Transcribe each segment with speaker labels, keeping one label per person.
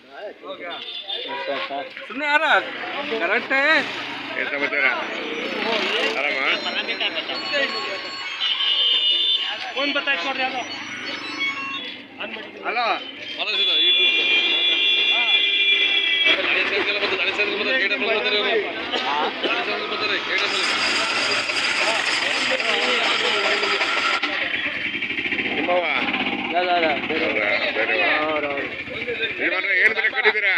Speaker 1: ಸುಮ್ಮನೆ ಯಾರ ಕರೆಕ್ಟೇ
Speaker 2: ಏನು ಸಮಾಚಾರ ಆರಾಮ
Speaker 1: ಫೋನ್ ಬತ್ತಾಯ್ತು ನೋಡ್ರಿ ಅದು
Speaker 2: ಹಲೋ ನಿಮ್ಮವ ಏನು ಬೆಲೆ ಕಟ್ಟಿದ್ದೀರಾ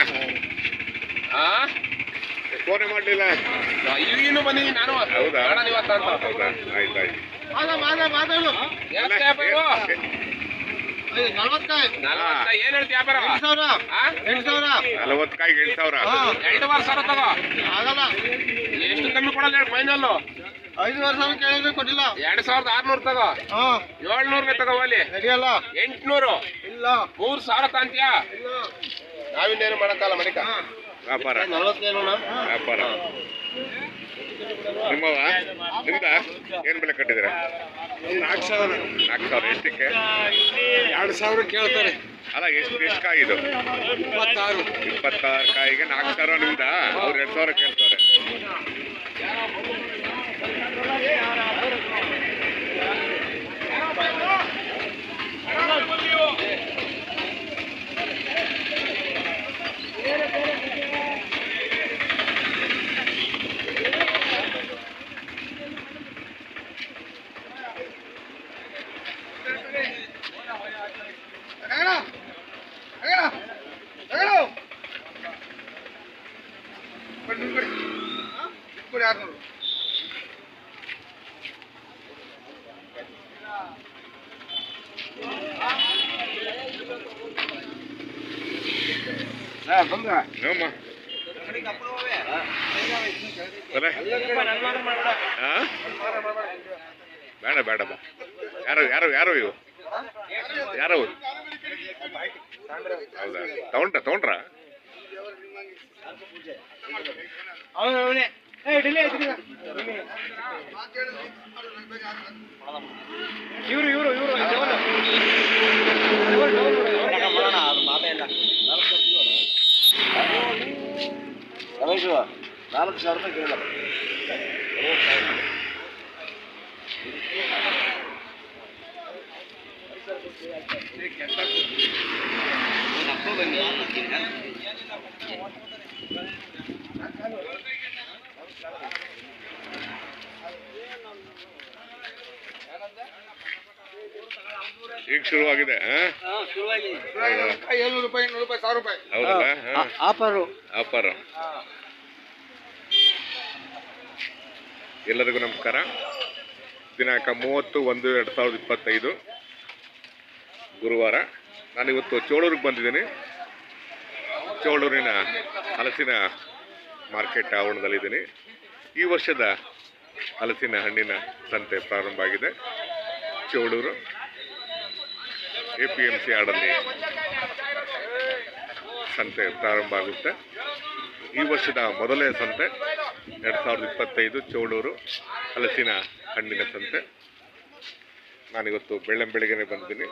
Speaker 2: ಫೋನೇ ಮಾಡಲಿಲ್ಲ
Speaker 3: ಈಗಿನ್ನೂ ಬಂದಿದ್ದೀನಿ ನಾನು.
Speaker 2: ಹೌದಾ
Speaker 3: ಹೌದಾ
Speaker 2: ಆಯ್ತು ಆಯ್ತು
Speaker 3: ಏನ್ ಹೇಳ್ತಿ ವ್ಯಾಪಾರ?
Speaker 2: 40 ಕಾಯಿಗೆ 8,000
Speaker 3: 2,500 ಸಾವಿರ ತಗೋ. ಎಷ್ಟು ಕಮ್ಮಿ ಕೊಡಲ್ಲ ಹೇಳಿ ಫೈನಲ್.
Speaker 4: 5,000 ಕೇಳಿದ್ರೆ ಕೊಟ್ಟಿಲ್ಲ.
Speaker 3: 2,600 ತಗೋ. 700 ತಗೋ ಅಲ್ಲಿ. 800
Speaker 4: ಇಲ್ಲ
Speaker 3: 3,000 ತಾಂತ್ಯಾ? ನಾವಿನ್ನೇನು ಮಾಡಕ್ಕಲ್ಲ ಮಡಿಕ.
Speaker 2: ವ್ಯಾಪಾರ ವ್ಯಾಪಾರ ನಿಮ್ಮವ ನಿಮ್ದ ಏನು ಬೆಲೆ ಕಟ್ಟಿದ್ದೀರಾ? 4,000 ಎಷ್ಟಕ್ಕೆ?
Speaker 4: 2,000 ಕೇಳ್ತಾರೆ.
Speaker 2: ಅಲ್ಲ ಎಷ್ಟು ಕಾಯಿ ಇದು? 26 ಕಾಯಿಗೆ 4,000 ನಿಮ್ದ? ಅವ್ರು 2,000 ಕೇಳ್ತಾರೆ. ನೋಮ್ಮ ಬೇಡ ಬೇಡ ಯಾರು ಯಾರು ಯಾರು ಇವು ಯಾರು ಹೌದಾ ತಗೊಂಡ್ರ
Speaker 4: ಇವರು 4,000 ಕೇಳಲ್ಲ.
Speaker 2: ಈಗ ಶುರುವಾಗಿದೆ.
Speaker 4: 700 ರೂಪಾಯಿ 800 ರೂಪಾಯಿ 1,000 ರೂಪಾಯಿ
Speaker 2: ಹೌದಲ್ಲ ಆಫರ್. ಎಲ್ಲರಿಗೂ ನಮಸ್ಕಾರ. ದಿನಾಂಕ 30/1/2025 ಗುರುವಾರ. ನಾನಿವತ್ತು ಚೋಳೂರಿಗೆ ಬಂದಿದ್ದೀನಿ. ಚೋಳೂರಿನ ಹಲಸಿನ ಮಾರ್ಕೆಟ್ ಆವರಣದಲ್ಲಿದ್ದೀನಿ. ಈ ವರ್ಷದ ಹಲಸಿನ ಹಣ್ಣಿನ ಸಂತೆ ಪ್ರಾರಂಭ ಆಗಿದೆ. ಚೋಳೂರು APMC ಯಾರ್ಡಲ್ಲಿ ಸಂತೆ ಪ್ರಾರಂಭ ಆಗುತ್ತೆ. ಈ ವರ್ಷದ ಮೊದಲನೇ ಸಂತೆ 2025 ಚೋಳೂರು ಹಲಸಿನ ಹಣ್ಣಿನ ಸಂತೆ. ನಾನಿವತ್ತು ಬೆಳಗ್ಗೆನೆ ಬಂದಿದ್ದೀನಿ.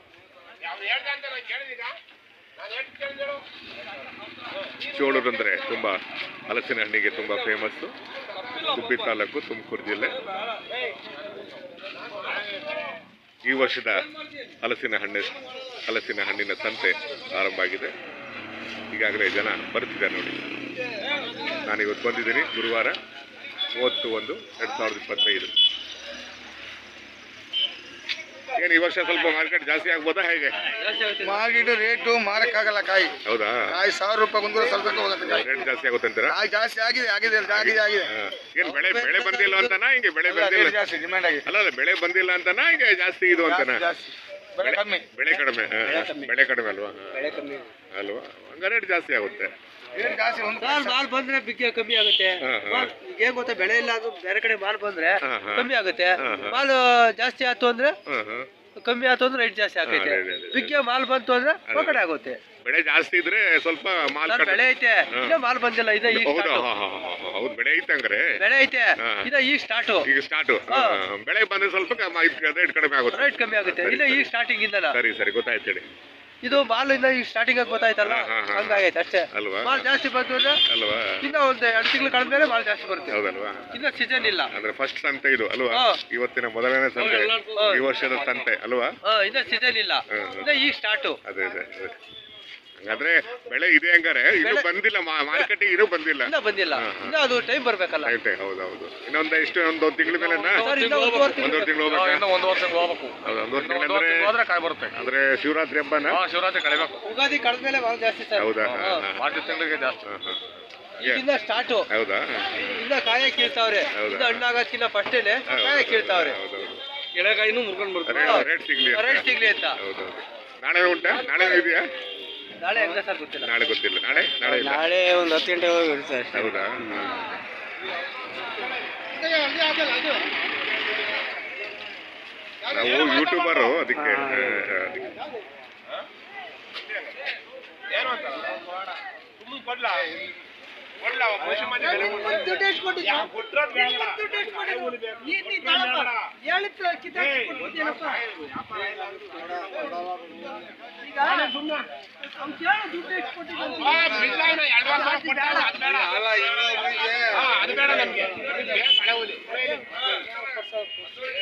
Speaker 2: ಚೋಳೂರು ಅಂದರೆ ತುಂಬ ಹಲಸಿನ ಹಣ್ಣಿಗೆ ತುಂಬ ಫೇಮಸ್ಸು. ಗುಬ್ಬಿ ತಾಲೂಕು, ತುಮಕೂರು ಜಿಲ್ಲೆ. ಈ ವರ್ಷದ ಹಲಸಿನ ಹಣ್ಣಿನ ಸಂತೆ ಆರಂಭ ಆಗಿದೆ. ಈಗಾಗಲೇ ಜನ ಬರ್ತಿದ್ದಾರೆ ನೋಡಿ. ನಾನಿವತ್ತು ಬಂದಿದ್ದೀನಿ ಗುರುವಾರ 30/1/2025. ಏನು ಈ ವರ್ಷ ಸ್ವಲ್ಪ ಮಾರ್ಕೆಟ್ ಜಾಸ್ತಿ ಆಗ್ಬೋದಾ ಹೇಗೆ?
Speaker 4: ಮಾರ್ಕೆಟ್ ರೇಟು ಮಾರಕ್ಕಾಗಲ್ಲ. ಕಾಯಿ
Speaker 2: ಹೌದಾ?
Speaker 4: ಕಾಯಿ 1,000 ರೂಪಾಯಿ ಬಂದ್ರೆ ಸ್ವಲ್ಪ ಹೋಗುತ್ತೆ.
Speaker 2: ರೇಟ್ ಜಾಸ್ತಿ ಆಗುತ್ತೆ ಅಂತೀರಾ?
Speaker 4: ಕಾಯಿ ಜಾಸ್ತಿ ಆಗಿದೆ.
Speaker 2: ಏನು ಬೆಳೆ ಬಂದಿಲ್ಲ ಅಂತನಾ? ಹಿಂಗೆ ಬೆಳೆ ಬಂದಿಲ್ಲ
Speaker 4: ಜಾಸ್ತಿ ಡಿಮ್ಯಾಂಡ್ ಆಗಿದೆ.
Speaker 2: ಅಲ್ಲ ಬೆಳೆ ಬಂದಿಲ್ಲ ಅಂತನಾ? ಹಿಂಗೆ ಜಾಸ್ತಿ ಇದು ಅಂತನಾ?
Speaker 4: ಬೆಳೆ ಕಮ್ಮಿ.
Speaker 2: ಬೆಳೆ ಕಡಿಮೆ ಅಲ್ವಾ? ಅಲ್ವಾ? ಹಂಗ ರೇಟ್ ಜಾಸ್ತಿ ಆಗುತ್ತೆ.
Speaker 4: ರೇಟ್ ಜಾಸ್ತಿ
Speaker 1: ಮಾಲ್ ಬಂದ್ರೆ ಬಿಗ್ಗೆ ಕಮ್ಮಿ ಆಗುತ್ತೆ. ಏನ್ ಗೊತ್ತಾ, ಬೆಳೆ ಇಲ್ಲ ಅದು ಬೇರೆ ಕಡೆ ಮಾಲ್ ಬಂದ್ರೆ ಕಮ್ಮಿ ಆಗುತ್ತೆ. ಮಾಲ್ ಜಾಸ್ತಿ ಆಯ್ತು ಅಂದ್ರೆ ಕಮ್ಮಿ ಆಯ್ತು ಅಂದ್ರೆ ರೇಟ್ ಜಾಸ್ತಿ ಆಗೈತೆ. ಬಿಗ್ಗೆ ಮಾಲ್ ಬಂತು ಅಂದ್ರೆ ಕಡೆ ಆಗುತ್ತೆ.
Speaker 2: ಬೆಳೆ ಜಾಸ್ತಿ ಇದ್ರೆ ಸ್ವಲ್ಪ ಮಾಲ್
Speaker 1: ಬೆಳೆ ಐತೆ, ಇನ್ನ ಮಾಲ್ ಬಂದಿಲ್ಲ.
Speaker 2: ಹೌದು ಬೆಳೆ ಐತೆ ಹಂಗಾರೆ.
Speaker 1: ಬೆಳೆ ಐತೆ, ಈಗ ಸ್ಟಾರ್ಟ್. ಬೆಳೆ
Speaker 2: ಬಂದ್ರೆ ಸ್ವಲ್ಪ ರೇಟ್ ಕಡಿಮೆ ಆಗುತ್ತೆ.
Speaker 1: ರೇಟ್ ಕಮ್ಮಿ ಆಗುತ್ತೆ. ಇಲ್ಲ ಈಗ ಸ್ಟಾರ್ಟಿಂಗ್ ಇಂದ
Speaker 2: ಸರಿ ಗೊತ್ತಾಯ್ತು ಹೇಳಿ.
Speaker 1: ಇದು ಮಾಲ್ ಇನ್ನ ಈಗ ಸ್ಟಾರ್ಟಿಂಗ್ ಆಗಿ ಗೊತ್ತಾಯ್ತಲ್ಲ ಹಂಗಾಗೈತೆ ಅಷ್ಟೇ.
Speaker 2: ಅಲ್ವಾ?
Speaker 1: ಮಾಲ್ ಜಾಸ್ತಿ ಬಂತು ಅಂದ್ರೆ
Speaker 2: ಅಲ್ವಾ?
Speaker 1: ಇನ್ನ ಒಂದ್ 2 ತಿಂಗಳು ಕಳೆದ್ಮೇಲೆ ಮಾಲ್ ಜಾಸ್ತಿ ಬರುತ್ತೆ.
Speaker 2: ಹೌದಲ್ವಾ?
Speaker 1: ಇನ್ನ ಸೀಸನ್ ಇಲ್ಲ.
Speaker 2: ಅಂದ್ರೆ ಫಸ್ಟ್ ಸಂತೆ ಇದು ಅಲ್ವಾ?
Speaker 1: ಹಾ.
Speaker 2: ಇವತ್ತಿನ ಮೊದಲನೇ ಸಂತೆ, ಈ ವರ್ಷದ ಸಂತೆ ಅಲ್ವಾ?
Speaker 1: ಇನ್ನ ಸೀಸನ್ ಇಲ್ಲ, ಇನ್ನ ಈಗ ಸ್ಟಾರ್ಟ್.
Speaker 2: ಅದೇ ಅದೇ ಅದೇ. ಹಾಗಾದ್ರೆ ಬೆಳೆ ಇದೆ ಹಂಗಾರೆ, ಇದು ಬಂದಿಲ್ಲ ಮಾರ್ಕೆಟಿಗೆ, ಇದು ಬಂದಿಲ್ಲ,
Speaker 1: ಇನ್ನ ಬಂದಿಲ್ಲ. ಇನ್ನ ಅದು ಟೈಮ್ ಬರ್ಬೇಕಲ್ಲ.
Speaker 2: ಹೌದೌದು. ಇನ್ನೊಂದು ಎಷ್ಟು ಒಂದು ತಿಂಗಳ ಮೇಲೆ
Speaker 1: ಸರ್, ಇನ್ನ ಒಂದೂವರೆ ತಿಂಗಳು.
Speaker 2: ಒಂದೂವರೆ ತಿಂಗಳು ಹೋಗ್ಬೇಕಾ?
Speaker 3: ಇನ್ನೂ 1 ವರ್ಷಕ್ಕೆ ಹೋಗ್ಬೇಕು.
Speaker 2: ಹೌದು, ಒಂದೂವರೆ ತಿಂಗಳು
Speaker 3: ಒಂದೂವರೆ ತಿಂಗಳು ಹೋದ್ರೆ ಕಾಯಿ ಬರುತ್ತೆ.
Speaker 2: ಅಂದ್ರೆ ಶಿವರಾತ್ರಿ ಹಬ್ಬನ?
Speaker 3: ಶಿವರಾತ್ರಿ ಕಳಿಬೇಕು.
Speaker 1: ಉಗಾದಿ ಕಳೆದ್ಮೇಲೆ ಮಾಲ್ ಜಾಸ್ತಿ ಸರ್.
Speaker 2: ಹೌದಾ?
Speaker 3: ಮಾರ್ಚ್ ತಿಂಗಳಿಗೆ ಜಾಸ್ತಿ.
Speaker 1: ಈಗಿಂದ ಸ್ಟಾರ್ಟ್.
Speaker 2: ಹೌದಾ?
Speaker 1: ಇನ್ನ ಕಾಯ ಕೀಳ್ತಾವ್ರೆ. ಇನ್ನ ಹಣ್ಣಾಗೋದ್ಕಿನ್ನ ಫಸ್ಟೇನೆ ಕಾಯ ಕೀಳ್ತಾವ್ರೆ.
Speaker 3: ಎಳೆಕಾಯಿನೂ ಮುರ್ಕೊಂಡು ಬರ್ತಾರೆ.
Speaker 2: ರೇಟ್ ಸಿಗ್ಲಿ
Speaker 1: ರೇಟ್ ಸಿಗ್ಲಿ ಅಂತ.
Speaker 2: ಹೌದೌದು. ನಾಳೆ ಉಂಟಾ? ನಾಳೆ ಇದೆಯಾ?
Speaker 1: ನಾಳೆ ಹೆಂಗ ಸರ್ ಗೊತ್ತಿಲ್ಲ.
Speaker 2: ನಾಳೆ ಗೊತ್ತಿಲ್ಲ. ನಾಳೆ ನಾಳೆ ಇಲ್ಲ.
Speaker 1: ನಾಳೆ ಒಂದು 10 ಗಂಟೆ ಹೋಗಿ ಇರುತ್ತೆ ಅಷ್ಟೇ.
Speaker 2: ಹೌದಾ? ನಾವು ಯೂಟ್ಯೂಬರು, ಅದಕ್ಕೆ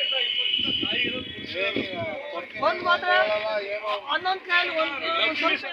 Speaker 5: ಒಂದು ಮಾತ್ರ 11 ಕಾಯಿ